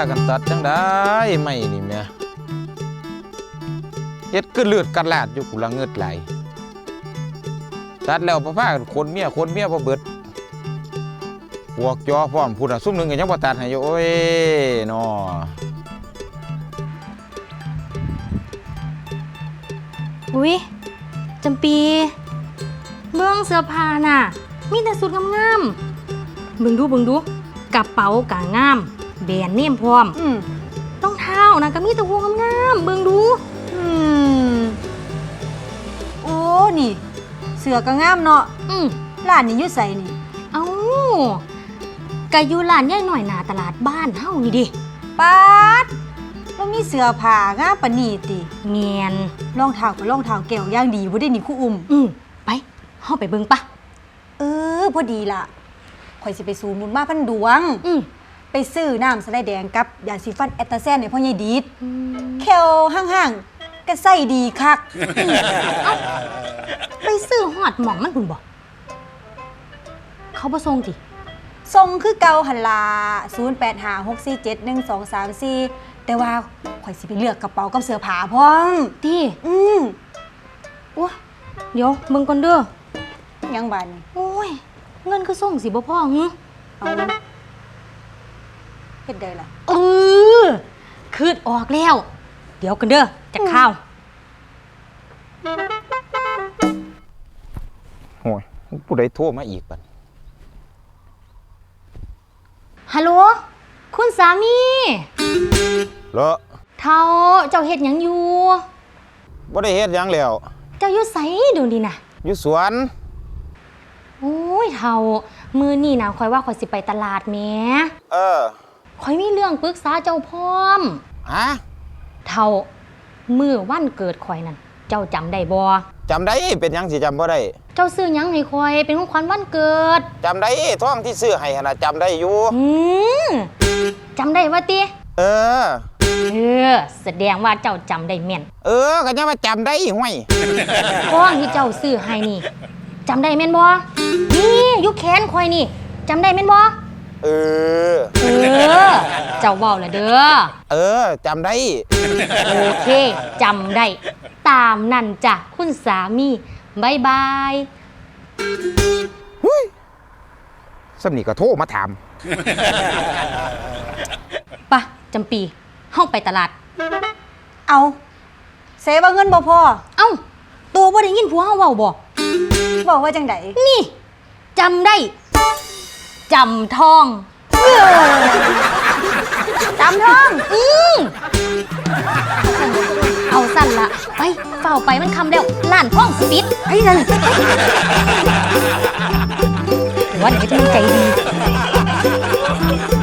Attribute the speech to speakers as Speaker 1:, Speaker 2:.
Speaker 1: กันตัดจังได้ไม่นี่แม่เฮ็ดคือเลือดกันลาดอยู่กูละเงิดไหลตัดแล้วพากันคนเมียบ่เบิดพวกจอพร้อมพูดซุ่มหนึงก็ยังบ่ตัดให้อยู่โอ้ยน้อ
Speaker 2: อุ๊ยจำปีเบื้องเสื้อผ้าน่ะมีแต่สุดงามๆเบิ่งดูกระเป๋ากะงามแบรนด์เนมพร้อมรองเท้านะก็มีแต่หัวงามๆเบิ่งดู
Speaker 3: โอ้นี่เสือก็งามเนาะร้านนี้อยู่ไสนี่
Speaker 2: เอ้ากะอยู่ร้านใหญ่หน่อยหน้าตลาดบ้านเฮานี่ดิ
Speaker 3: ป๊าดแล้วมีเสือผ้างามปานนี้ติ
Speaker 2: แม่น
Speaker 3: รองเท้าก็รองเท้าแก้วอย่างดีบ่ได้นี่ครูอุ้ม
Speaker 2: ไปเฮาไปเบิ่งปะ
Speaker 3: พอดีล่ะข่อยสิไปซูมุนมาพันดวงไปซื้อน้ำสะไลด์แดงกับยาสีฟันแอตตาแซนให้พ่อใหญ่ดีดแคลห่างๆก็ใส่ดีคัก
Speaker 2: ไปซื้อฮอดหม่องมันพุ่นบ่เขาบ่ส่งติ
Speaker 3: ส่งคือเก่าหั่นล่ะ0856471234แต่ว่าข่อยสิไปเลือกกระเป๋ากับเสื้อผ้าพร้อม
Speaker 2: ติโอ้เดี๋ยวเบิ่งก่อนเด้อ
Speaker 3: ยังบาดนี่
Speaker 2: โอ้ยเงินคือส่งสิบ่พอหึ
Speaker 3: เอาเฮ็ดได้ล่ะ
Speaker 2: คืดออกแล้วเดี๋ยวกันเด้อจะข้าว
Speaker 1: โอ้ยผู้ใดโทรมาอีกบัด
Speaker 2: ฮัลโหลคุณสามี
Speaker 1: เหรอ
Speaker 2: เฒ่าเจ้าเฮ็ดหยังอยู่
Speaker 1: บ่ได้เฮ็ดหยังแล้ว
Speaker 2: เจ้าอยู่ไสเดี๋ยวนี้น่ะ
Speaker 1: อยู่สวน
Speaker 2: โอ้ยเฒ่ามื้อนี้นะข่อยว่าข่อยสิไปตลาดแหมข่อยมีเรื่องปรึกษาเจ้าพร้อมเฒ่ามื้อวันเกิดข่อยนั่นเจ้าจำได้บ่
Speaker 1: จำได้เป็นหยังสิจำบ่ได้
Speaker 2: เจ้าซื้อหยังให้ข่อยเป็นของขวัญวันเกิด
Speaker 1: จำได้ท้องที่ซื้อให้หั่นน่ะจำได้อยู่
Speaker 2: จำได้ว่าติแสดงว่าเจ้าจำได้แม่น
Speaker 1: ก็ยังว่าจำได้ห่วย
Speaker 2: ท้องที่เจ้าซื้อให้นี่จำได้แม่นบ่นี่อยู่แขนข่อยนี่จำได้แม่นบ่เจ้าเว้าล่ะเด้
Speaker 1: อจำได้
Speaker 2: โอเคจำได้ตามนั่นจ้ะคุณสามีบ๊ายบาย
Speaker 1: สำนี่ก็โทรมาถาม
Speaker 2: ปะจำปีเฮาไปตลาด
Speaker 3: เอาเสว่าเงินบ่พอ
Speaker 2: ตัวบ่ได้ยินผัวเฮาเว้าบ่
Speaker 3: บอกว่าจังได
Speaker 2: นี่จำได้จำทอง
Speaker 3: จำทอง
Speaker 2: เอาสั้นละไปเฝ้าไปมันคำแล้วล้านทองสปิด
Speaker 3: ไอ้นั่น
Speaker 2: ว่าเดี๋ยวจะใจดี